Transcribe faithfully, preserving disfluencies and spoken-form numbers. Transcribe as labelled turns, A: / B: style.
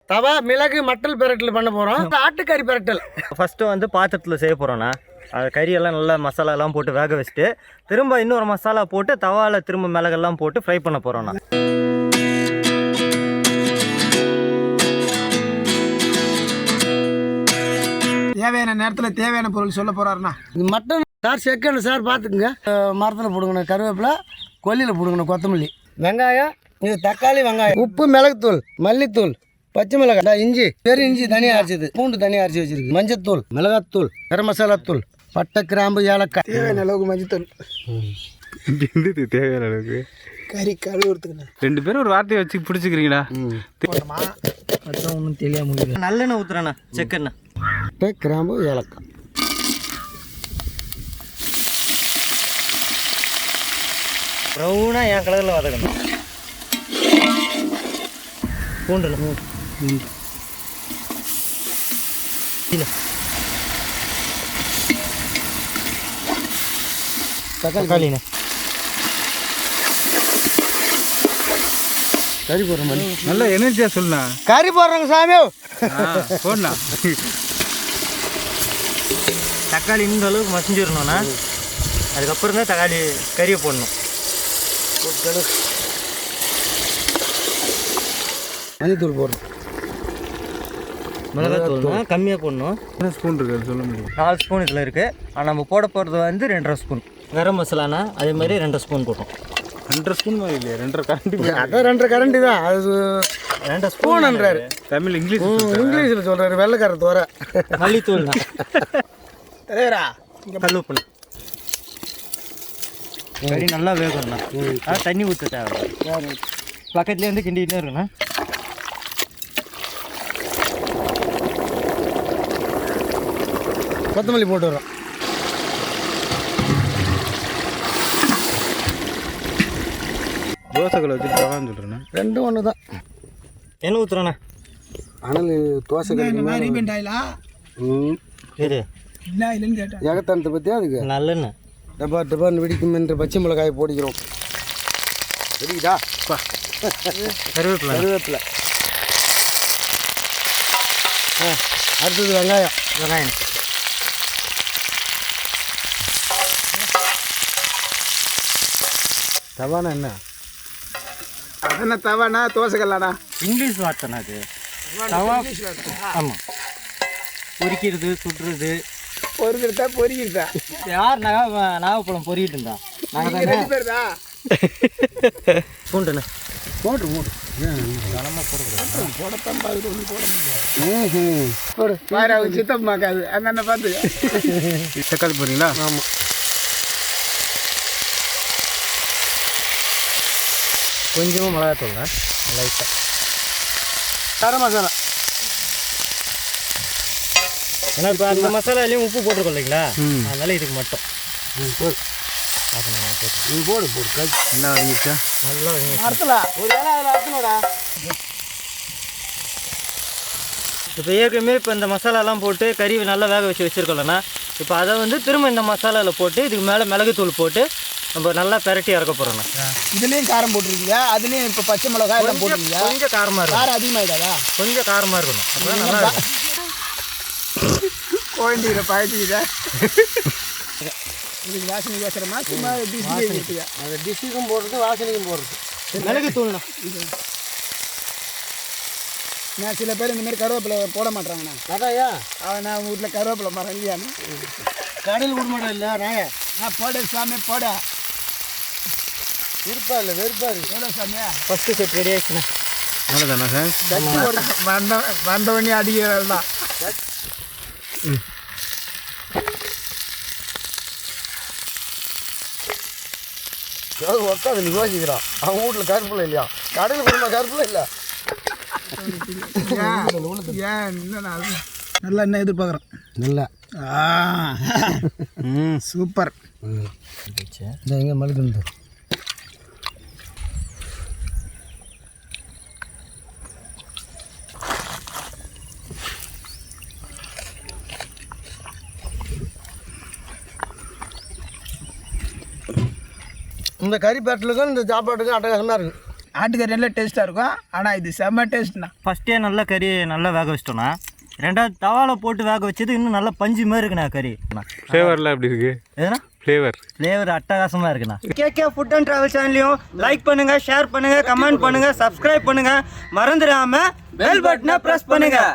A: தவா மிளகு மட்டல் பிரட்டல் பண்ண போகிறோம். ஆட்டுக்கறி பிரட்டல்
B: ஃபஸ்ட்டு வந்து பாத்திரத்தில் செய்ய போகிறோண்ணா. அது கறியெல்லாம் நல்லா மசாலாலாம் போட்டு வேக வச்சுட்டு திரும்ப இன்னொரு மசாலா போட்டு தவாவில் திரும்ப மிளகெல்லாம் போட்டு ஃப்ரை பண்ண போகிறோண்ணா.
C: தேவையான நேரத்தில் தேவையான பொருள் சொல்ல போகிறாருண்ணா.
A: இது மட்டன் சார் செக்கணும் சார் பார்த்துக்குங்க. மரத்தில் போடுங்கண்ணா, கருவேப்பிலை கொல்லியில் போடுங்கண்ணா, கொத்தமல்லி, வெங்காயம், இது தக்காளி, வெங்காயம், உப்பு, மிளகுத்தூள், மல்லித்தூள், பச்சை மிளகாய், இஞ்சி, பெரிய இஞ்சி தனியாக அரைச்சது, பூண்டு தனியாக அரைச்சி வச்சிருக்கு, மஞ்சத்தூள், மிளகாத்தூள், கரம் மசாலா தூள், பட்டை, கிராம்பு, ஏலக்காய்,
C: தேவையான அளவுக்கு மஞ்சத்தூள்,
D: தேவையான அளவுக்கு
C: கறி கழுவுறதுக்குண்ணா.
D: ரெண்டு பேரும் ஒரு வார்த்தையை வச்சு பிடிச்சிக்கிறீங்களா?
B: அதான் ஒன்றும் தெரியாம நல்லெண்ணெய் ஊற்றுறேண்ணா, செக்கெண்ணெய்,
A: பட்டை, கிராம்பு, ஏலக்காய்.
B: ப்ரௌனாக என் கலரில் வதக்கணும். பூண்டு தக்காளிண்ணே,
A: கறி போடுற மாதிரி
D: நல்லா எனர்ஜியாக சொல்லுண்ணா.
A: கறி போடுறோங்க சாமி,
D: போடணா.
B: தக்காளி இந்த அளவுக்கு மசிஞ்சிடணும்ண்ணா. அதுக்கப்புறம் தான் தக்காளி கறியை போடணும்.
A: மஞ்சத்தூள் போடுறோம்,
B: மிளகாத்தூள் கம்மியாக போடணும்.
D: என்ன ஸ்பூன் இருக்குது சொல்ல முடியும்?
B: நாலு ஸ்பூன் இதில் இருக்குது. ஆனால் நம்ம போட போகிறது வந்து ரெண்டரை ஸ்பூன். கரம் மசாலானா அதே மாதிரி ரெண்டரை ஸ்பூன் போட்டோம்.
D: ரெண்டரை ஸ்பூன் மாதிரி இல்லையா? ரெண்டரை கரண்டி.
A: அதான் ரெண்டரை கரண்டி தான் அது.
B: ரெண்டரை ஸ்பூன்ன்றாரு
D: தமிழ் இங்கிலீஷ்
A: இங்கிலீஷில் சொல்கிறாரு, வெள்ளைக்கார தோற.
B: மல்லித்தூள் தான்,
C: தலைவரா
B: கல்லுப்புண்ணா. கறி நல்லா வேகணும்ண்ணா. அதான் தண்ணி ஊற்ற தேவை. பக்கத்துலேயே வந்து கிண்டிகிட்டே இருக்குண்ணா.
A: கொத்தமல்லி போட்டு வரோம்.
D: தோசைகளை வச்சு தவான்னு சொல்கிறேண்ணா.
A: ரெண்டும் ஒன்று தான்.
B: என்ன ஊற்றுறேண்ணா?
A: ஆனால் தோசை
C: இந்த மாதிரி ரீபெண்ட் ஆயிலா
B: இது
C: இல்லை இல்லைன்னு கேட்டேன்.
A: ஏகத்தானத்தை பற்றி அதுக்கு
B: நல்லெண்ணெய்
A: டப்பா டப்பான்னு வெடிக்கும் என்று பச்சை மிளகாயை போடிக்கிறோம். வெடிக்குதா?
B: கருவேப்பிலை
A: கருவேப்பிலை. ஆ, அடுத்தது வெங்காயம்.
B: வெங்காயம்
A: தவானா என்ன?
C: அதென்ன தவானா தோசைக்கல்லாடா?
B: இங்கிலீஷ் வார்த்தைண்ணா அது. தவா. ஆமாம், பொரிக்கிறது, சுடுறது.
C: பொறுக்கிறதா பொறிக்கிறதா?
B: யார் நகா நாகப்பழம் பொறிக்கிட்டு இருந்தா? நாங்கள் தானே.
C: ரெண்டு பேர் தான்.
B: பூண்டுண்ணே
A: போட்டு போட்டு
C: போடத்தான் பாரு, ஒன்று போட முடியாது. போடு பாரு, அவங்க சித்தம்மாக்காது அங்கே பார்த்து.
D: தக்காளி போடுறீங்களா?
A: ஆமாம்.
B: கொஞ்சமாக மிளகாத்தூள்ண்ணா, லைட்டாக.
A: கரம் மசாலா.
B: ஏன்னா இப்போ அந்த மசாலாலையும் உப்பு போட்டிருக்கோம் இல்லைங்களா, அதனால இதுக்கு மட்டும்.
A: ம் போடு. நீ போடு போடு கறி
D: நல்லா வதங்கிச்சா?
B: நல்லா
C: அறுத்தல ஒரு வேலை அதில் அறுத்தணும்டா.
B: இப்போ ஏற்கனவே இப்போ இந்த மசாலாலாம் போட்டு கறி நல்லா வேக வச்சு வச்சுருக்கோம்லண்ணா. இப்போ அதை வந்து திரும்ப இந்த மசாலாவில் போட்டு இதுக்கு மேலே மிளகுத்தூள் போட்டு நம்ம நல்லா பெரட்டி இறக்க போகிறோண்ணா.
C: இதுலேயும் காரம் போட்டுருக்கீங்க, அதுலேயும் இப்போ பச்சை மிளகாய் எல்லாம் போட்டுருக்கீங்க.
B: கொஞ்சம் காரமாக இருக்கும்.
C: காரம் அதிகமாகிடாதா?
B: கொஞ்சம் காரமாக இருக்கணும், அப்போ நல்லா இருக்கும்.
C: கோயண்டியில் பழட்டிக்கிட்ட இதுக்கு வாசனை பேசுகிறோமா சும்மா டிஷ்ஷு?
A: அது டிஷ்ஷுக்கும் போடுறது, வாசனைக்கும் போடுறது.
B: மிளகுத்தூள்ண்ணா.
C: நான் சில பேர் இந்த மாதிரி கருவேப்பிலை போட மாட்டாங்கண்ணா.
A: அதாயா
C: அவன் நான் உங்கள் வீட்டில் கருவேப்பிலை மரம் இல்லையான்னு
A: கடையில் விட மாட்டேன். இல்லை நாய
C: நான் போட சாமி போட
A: இருப்பா இல்லை வெறுப்பா இருக்கு.
C: எவ்வளோ சாமியா?
B: ஃபஸ்ட்டு செட் ரெடி ஆயிடுச்சுண்ணா.
D: அவ்வளோதானா சார்?
C: வந்த வந்தவனே அடிக்கிறது தான்.
A: ஏதாவது உட்காந்து நீ யோசிக்கிறான். அவங்க வீட்டில் கருப்பில் இல்லையா, கடையில் கொடுமா கருப்பில் இல்லை.
C: ஏன் என்ன நல்லா என்ன எதிர்பார்க்குறேன்.
A: இல்லை
C: ம் சூப்பர்.
A: இந்த எங்கே மழுக்குந்து இந்த கறி பேட்டலுக்கும் இந்த சாப்பாட்டுக்கும் அட்டகாசமாக இருக்குது.
C: ஆட்டுக்கறி நல்லா டேஸ்ட்டாக இருக்கும் ஆனால் இது செம்ம டேஸ்ட்ண்ணா.
B: ஃபஸ்ட்டே நல்லா கறி நல்லா வேக வச்சிட்டோண்ணா. ரெண்டாவது தவால போட்டு வேக வச்சது இன்னும் நல்லா பஞ்சு மாதிரி இருக்குண்ணா கறி.
D: ஃப்ளேவர்லாம் எப்படி இருக்கு?
B: எதுனா
D: ஃப்ளேவர்
B: ஃப்ளேவர் அட்டகாசமாக இருக்குண்ணா. கேகே ஃபுட் அண்ட் ட்ராவல் சேனலையும் லைக் பண்ணுங்கள், ஷேர் பண்ணுங்கள், கமெண்ட் பண்ணுங்கள், சப்ஸ்கிரைப் பண்ணுங்கள். மறந்துடாமல் பெல் பட்டனை ப்ரெஸ் பண்ணுங்கள்.